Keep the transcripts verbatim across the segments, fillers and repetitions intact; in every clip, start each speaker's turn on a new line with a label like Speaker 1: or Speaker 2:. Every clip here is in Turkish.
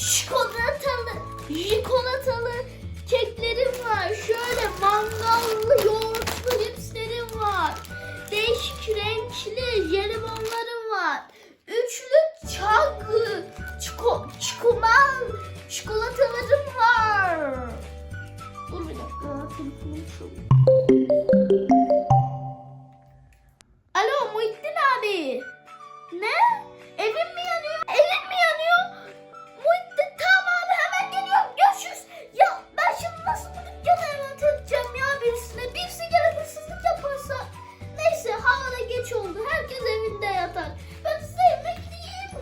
Speaker 1: çikolatalı, çikolatalı keklerim var. Şöyle mangallı, yoğurtlu cipslerim var. Değişik renkli jelibonlarım var. Üçlü çaklı çiko, çikoman çikolatalarım var. Dur bir dakika. Telefonum çalıyor. Alo Muhittin abi. Ne? Evim mi yanıyor? Evim mi yanıyor? Muhittin tamam abi hemen geliyorum. Görüşürüz. Ya ben şimdi nasıl bu dükkanı emanet edeceğim ya birisine? Birisi gelip hırsızlık yaparsa. Neyse havada geç oldu. Herkes evinde yatar. Ben size yemek yiyeyim.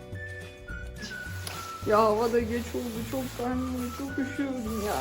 Speaker 2: Ya havada geç oldu. Çok karnım, çok üşüyorum ya.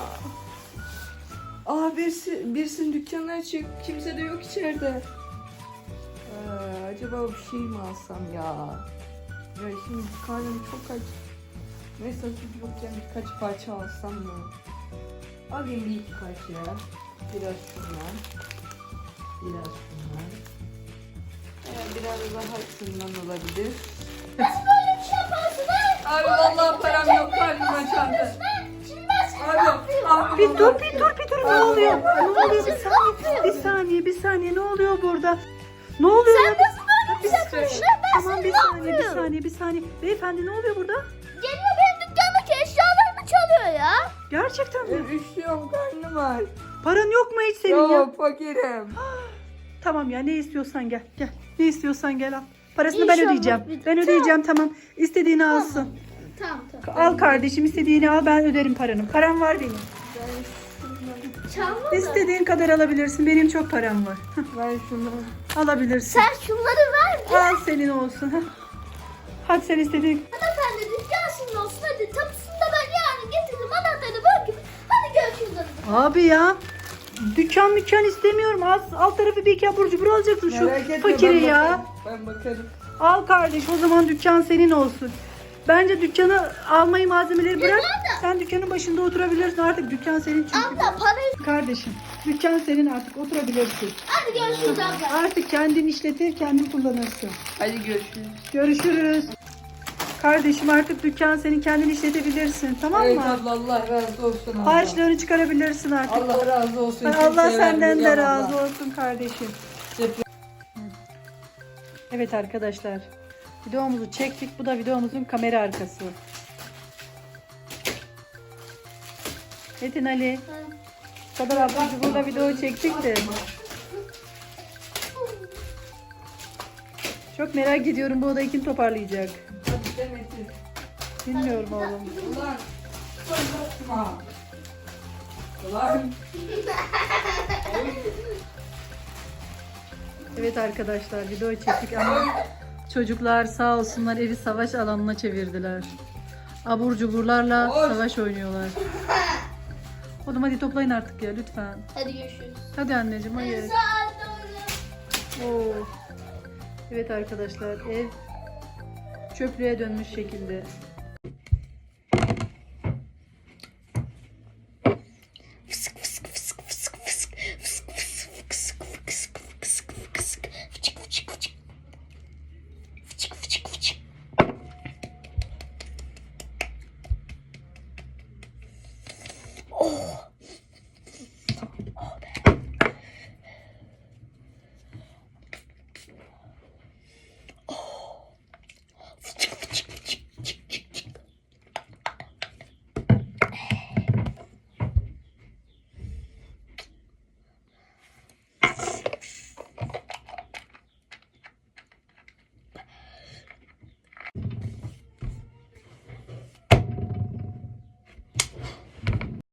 Speaker 2: Aa birisi, birisinin dükkanı açık. Kimse de yok içeride. Ee, acaba bir şey mi alsam ya? Ya şimdi karnım çok aç. Neyse süt yokken birkaç parça alsam mı? Alayım bir iki parça. Biraz şundan. Biraz şundan. Ee, biraz daha şundan olabilir.
Speaker 1: Nasıl böyle bir şey yaparsın ha?
Speaker 2: Abi vallahi param yok, karnım açandı.
Speaker 1: Şimdi ben seni ne
Speaker 2: Abi,
Speaker 1: yapıyorum?
Speaker 2: abi
Speaker 3: Bir dur bir dur bir dur ne
Speaker 2: Abi,
Speaker 3: oluyor?
Speaker 2: abi,
Speaker 3: Ne oluyor bir
Speaker 1: abi,
Speaker 3: saniye?
Speaker 1: abi.
Speaker 3: Bir saniye bir saniye ne oluyor burada? Ne oluyor
Speaker 1: Sen
Speaker 3: ya?
Speaker 1: nasıl böyle bir şey
Speaker 3: Bir-
Speaker 1: yapıyorsun? Ben
Speaker 3: Tamam
Speaker 1: seni
Speaker 3: bir
Speaker 1: ne
Speaker 3: saniye bir
Speaker 1: yapıyorum?
Speaker 3: saniye bir saniye. Beyefendi ne oluyor burada?
Speaker 1: Geliyor benim dükkandaki eşyalarımı çalıyor ya.
Speaker 3: Gerçekten mi?
Speaker 2: Ben üşüyorum, karnım var.
Speaker 3: Paran yok mu hiç senin ya?
Speaker 2: Yok, fakirim.
Speaker 3: Tamam ya ne istiyorsan gel gel. Ne istiyorsan gel al. Parasını
Speaker 1: İnşallah
Speaker 3: ben ödeyeceğim.
Speaker 1: bir-
Speaker 3: Ben ödeyeceğim tamam. İstediğini alsın.
Speaker 1: Tamam tamam.
Speaker 3: Al kardeşim istediğini al ben öderim paranı. Param var benim.
Speaker 1: Çalma da.
Speaker 3: İstediğin kadar alabilirsin. Benim çok param var.
Speaker 2: Ben şunu.
Speaker 3: Alabilirsin.
Speaker 1: Sen şunları ver.
Speaker 3: Al senin olsun. Hah. Hadi sen istediğin.
Speaker 1: Hanımefendi dükkan sizin olsun hadi. Tapusunu da ben yarın getirdim. Anahtarını bırakayım. Hadi görüşürüz hadi.
Speaker 3: Abi ya. Dükkan mükkan istemiyorum. Alt, alt tarafı bir iki abur cubur alacaksın şu
Speaker 2: Merak etme,
Speaker 3: fakiri
Speaker 2: ben
Speaker 3: ya.
Speaker 2: bakarım, Ben bakarım.
Speaker 3: Al kardeş o zaman dükkan senin olsun. Bence dükkanı almayı malzemeleri bırak.
Speaker 1: nerede?
Speaker 3: Sen dükkanın başında oturabilirsin artık dükkan senin çünkü.
Speaker 1: Abla parayı.
Speaker 3: Kardeşim dükkan senin artık oturabilirsin.
Speaker 1: Hadi görüşürüz abla.
Speaker 3: Artık kendin işletir kendin kullanırsın.
Speaker 2: Hadi görüşürüz.
Speaker 3: Görüşürüz. Kardeşim artık dükkan senin kendin işletebilirsin tamam
Speaker 2: Evet
Speaker 3: mı?
Speaker 2: abla, Allah razı olsun abla.
Speaker 3: Harçlarını çıkarabilirsin artık.
Speaker 2: Allah razı olsun.
Speaker 3: Allah
Speaker 2: Kimseye
Speaker 3: senden de
Speaker 2: vermeyeceğim
Speaker 3: razı
Speaker 2: abla.
Speaker 3: olsun kardeşim. Evet arkadaşlar. Videomuzu çektik. Bu da videomuzun kamera arkası. Metin Ali. Bu kadar ablacı burada video çektik de. Çok merak ediyorum bu odayı kim toparlayacak.
Speaker 2: Hadi Demet'im.
Speaker 3: Bilmiyorum oğlum.
Speaker 2: Ulan. Ulan. Ulan.
Speaker 3: Evet arkadaşlar video çektik ama çocuklar sağ olsunlar evi savaş alanına çevirdiler. Abur cuburlarla
Speaker 2: Oy.
Speaker 3: savaş oynuyorlar. Oğlum hadi toplayın artık ya lütfen.
Speaker 1: Hadi görüşürüz.
Speaker 3: Hadi anneciğim hayır.
Speaker 1: Saat doğru.
Speaker 3: Oo. Evet arkadaşlar ev çöplüğe dönmüş şekilde.
Speaker 1: Oh.